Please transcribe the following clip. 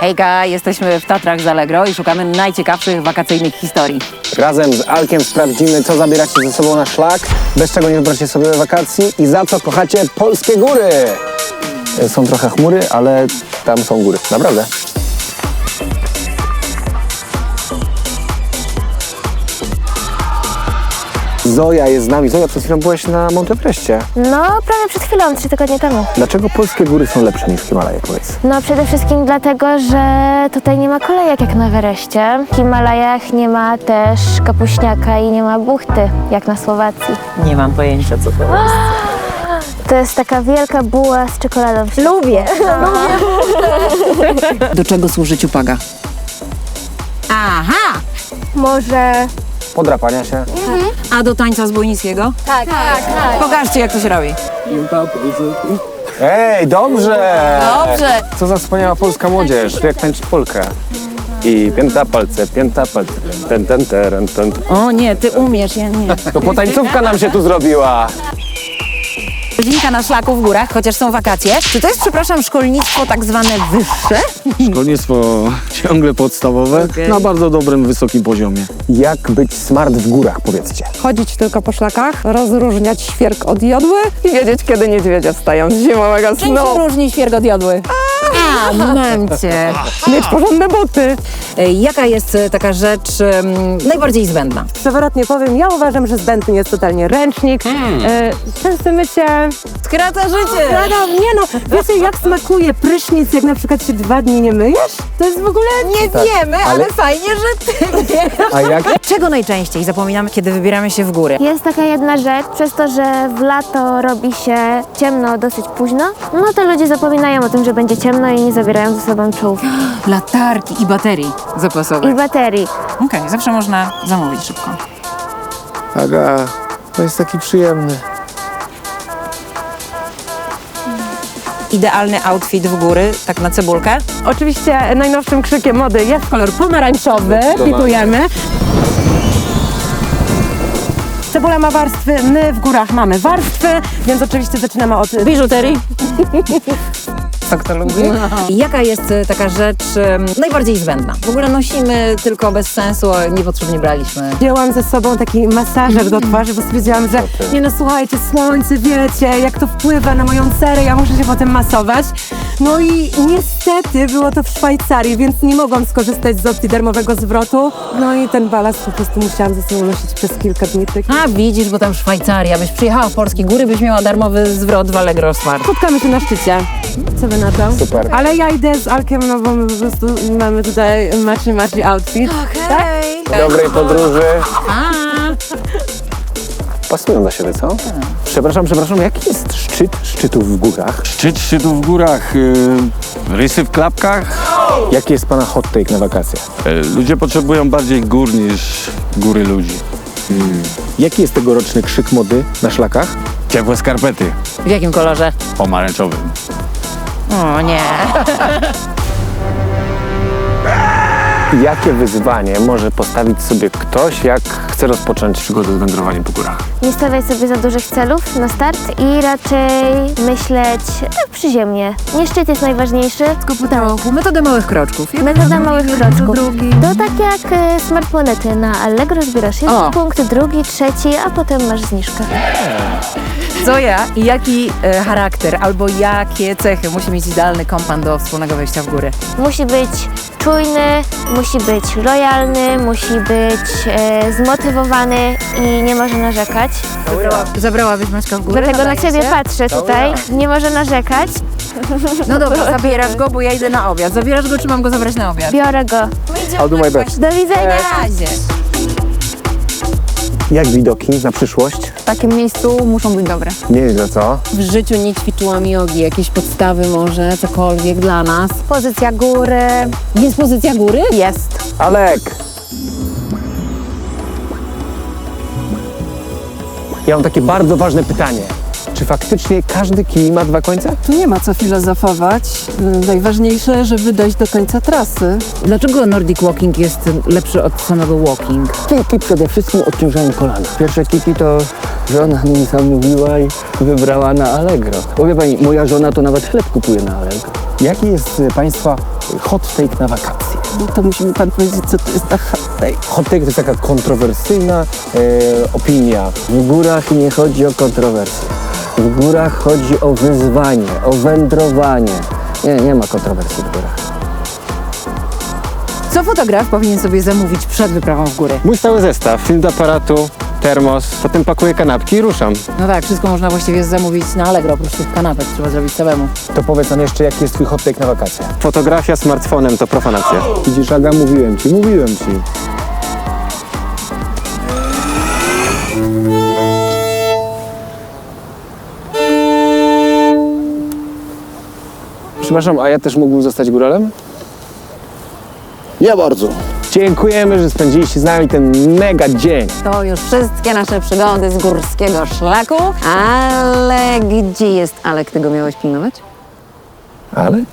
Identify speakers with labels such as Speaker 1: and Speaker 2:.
Speaker 1: Hejka, jesteśmy w Tatrach z Allegro i szukamy najciekawszych wakacyjnych historii.
Speaker 2: Razem z Alkiem sprawdzimy, co zabieracie ze sobą na szlak, bez czego nie wybracie sobie wakacji i za co kochacie polskie góry. Są trochę chmury, ale tam są góry. Naprawdę. Zoja jest z nami. Zoja, przed chwilą byłaś na Montepreście.
Speaker 3: No, prawie przed chwilą, 3 tygodnie temu.
Speaker 2: Dlaczego polskie góry są lepsze niż Himalaje, powiedz?
Speaker 3: No, przede wszystkim dlatego, że tutaj nie ma kolejek jak na Everestie. W Himalajach nie ma też kapuśniaka i nie ma buchty, jak na Słowacji.
Speaker 1: Nie mam pojęcia, co to jest.
Speaker 3: To jest taka wielka buła z czekoladą. Lubię.
Speaker 1: Do czego służy ciupaga? Aha!
Speaker 3: Może...
Speaker 2: Podrapania się.
Speaker 1: A do tańca zbójnickiego?
Speaker 3: Tak.
Speaker 1: Pokażcie, jak to się robi.
Speaker 2: Ej, dobrze!
Speaker 1: Dobrze.
Speaker 2: Co za wspaniała polska młodzież, jak tańczyć polkę. I pięta palce, ten.
Speaker 1: O nie, ty umiesz, ja nie.
Speaker 2: To potańcówka nam się tu zrobiła.
Speaker 1: Godzinka na szlaku w górach, chociaż są wakacje. Czy to jest, przepraszam, szkolnictwo tak zwane wyższe?
Speaker 4: Szkolnictwo ciągle podstawowe, na bardzo dobrym, wysokim poziomie.
Speaker 2: Jak być smart w górach, powiedzcie.
Speaker 5: Chodzić tylko po szlakach, rozróżniać świerk od jodły i wiedzieć, kiedy niedźwiedzia wstają z zimowego
Speaker 1: Czym
Speaker 5: snu.
Speaker 1: się różni świerk od jodły? A, momencie.
Speaker 5: Mieć porządne buty.
Speaker 1: Jaka jest taka rzecz najbardziej zbędna?
Speaker 5: Przewrotnie powiem, ja uważam, że zbędny jest totalnie ręcznik. Częste mycie.
Speaker 1: Skraca życie.
Speaker 5: Nie no, wiecie jak smakuje prysznic, jak na przykład się 2 dni nie myjesz? To jest w ogóle...
Speaker 1: Nie wiemy, ale fajnie, że ty wiesz.
Speaker 2: A jak?
Speaker 1: Czego najczęściej zapominamy, kiedy wybieramy się w góry?
Speaker 3: Jest taka jedna rzecz, przez to, że w lato robi się ciemno dosyć późno, no to ludzie zapominają o tym, że będzie ciemno i nie zabierają ze sobą czołówki
Speaker 1: Latarki i baterii zapasowe.
Speaker 3: i baterii.
Speaker 1: Okej, zawsze można zamówić szybko.
Speaker 2: Aga, to jest taki przyjemny.
Speaker 1: Idealny outfit w góry, tak na cebulkę.
Speaker 5: Oczywiście najnowszym krzykiem mody jest kolor pomarańczowy, pitujemy. Cebula ma warstwy, my w górach mamy warstwy, więc oczywiście zaczynamy od biżuterii.
Speaker 1: Tak to lubię. Jaka jest taka rzecz najbardziej zbędna? W ogóle nosimy tylko bez sensu, a niepotrzebnie braliśmy.
Speaker 5: Wzięłam ze sobą taki masażer do twarzy, bo stwierdziłam, że nie no słuchajcie, słońce, wiecie, jak to wpływa na moją cerę, ja muszę się potem masować. No i niestety było to w Szwajcarii, więc nie mogłam skorzystać z opcji darmowego zwrotu. No i ten balast po prostu musiałam ze sobą nosić przez kilka dni.
Speaker 1: A widzisz, bo tam Szwajcaria, byś przyjechała w polskie góry, byś miała darmowy zwrot w Allegro Smart.
Speaker 5: Spotkamy się na szczycie. Co wy na to?
Speaker 2: Super.
Speaker 5: Ale ja idę z Alkiem, no bo my po prostu mamy tutaj matchy outfit. Tak?
Speaker 2: Dobrej podróży. Pasują do siebie, co? Przepraszam, jaki jest szczyt szczytów w górach?
Speaker 4: Szczyt szczytów w górach, rysy w klapkach.
Speaker 2: Jaki jest pana hot take na wakacje?
Speaker 4: Ludzie potrzebują bardziej gór niż góry ludzi.
Speaker 2: Jaki jest tegoroczny krzyk mody na szlakach?
Speaker 4: Ciepłe skarpety,
Speaker 1: W jakim kolorze?
Speaker 4: pomarańczowym.
Speaker 1: O nie.
Speaker 2: Jakie wyzwanie może postawić sobie ktoś, jak chce rozpocząć przygodę z wędrowaniem po górach?
Speaker 3: Nie stawiać sobie za dużych celów na start i raczej myśleć tak przyziemnie. Nie szczyt jest najważniejszy,
Speaker 1: Tylko po trochu. Metodę małych kroczków.
Speaker 3: metoda małych kroczków. To tak jak Smart Monety na Allegro zbierasz jeden punkt, drugi, trzeci, a potem masz zniżkę.
Speaker 1: Zoja, jaki charakter albo jakie cechy musi mieć idealny kompan do wspólnego wejścia w góry?
Speaker 3: Musi być czujny, musi być lojalny, musi być zmotywowany i nie może narzekać.
Speaker 1: Zabrałabyś Maćka w górę?
Speaker 3: Dlatego na ciebie patrzę tutaj. Nie może narzekać.
Speaker 1: No dobra, zabierasz go, bo ja idę na obiad. Zabierasz go, czy mam go zabrać na obiad?
Speaker 3: Biorę go.
Speaker 2: I'll do my best.
Speaker 3: Do widzenia.
Speaker 1: Na razie.
Speaker 2: Jak widoki na przyszłość?
Speaker 6: W takim miejscu muszą być dobre.
Speaker 2: Nieźle, co?
Speaker 6: W życiu nie ćwiczyłam jogi, jakieś podstawy może, cokolwiek dla nas.
Speaker 3: Pozycja góry.
Speaker 6: Jest pozycja góry?
Speaker 3: Jest.
Speaker 2: Alek! Ja mam takie bardzo ważne pytanie. Czy faktycznie każdy kij ma 2 końce?
Speaker 7: Tu nie ma co filozofować. Najważniejsze, żeby dojść do końca trasy.
Speaker 6: Dlaczego Nordic Walking jest lepszy od samego walking?
Speaker 8: Kiki przede wszystkim odciążają kolana. Pierwsze kiki to żona mi zamówiła i wybrała na Allegro. Powie pani, moja żona to nawet chleb kupuje na Allegro.
Speaker 2: Jaki jest Państwa hot take na wakacje.
Speaker 7: No to musi mi pan powiedzieć, co to jest ta hot take.
Speaker 2: Hot take to jest taka kontrowersyjna opinia.
Speaker 8: W górach nie chodzi o kontrowersje. W górach chodzi o wyzwanie, o wędrowanie. Nie ma kontrowersji w górach.
Speaker 1: Co fotograf powinien sobie zamówić przed wyprawą w góry?
Speaker 2: Mój stały zestaw, film do aparatu, termos, potem pakuję kanapki i ruszam.
Speaker 1: No tak, wszystko można właściwie zamówić na Allegro, oprócz tych kanapek trzeba zrobić samemu.
Speaker 2: To powiedz nam jeszcze, jaki jest twój hot take na wakacje.
Speaker 4: Fotografia smartfonem to profanacja.
Speaker 2: Widzisz, Aga, mówiłem ci. Przepraszam, a ja też mógłbym zostać góralem?
Speaker 8: Ja bardzo.
Speaker 2: Dziękujemy, że spędziliście z nami ten mega dzień.
Speaker 1: To już wszystkie nasze przygody z górskiego szlaku, ale gdzie jest Alek? Ty go miałeś pilnować?
Speaker 2: Ale?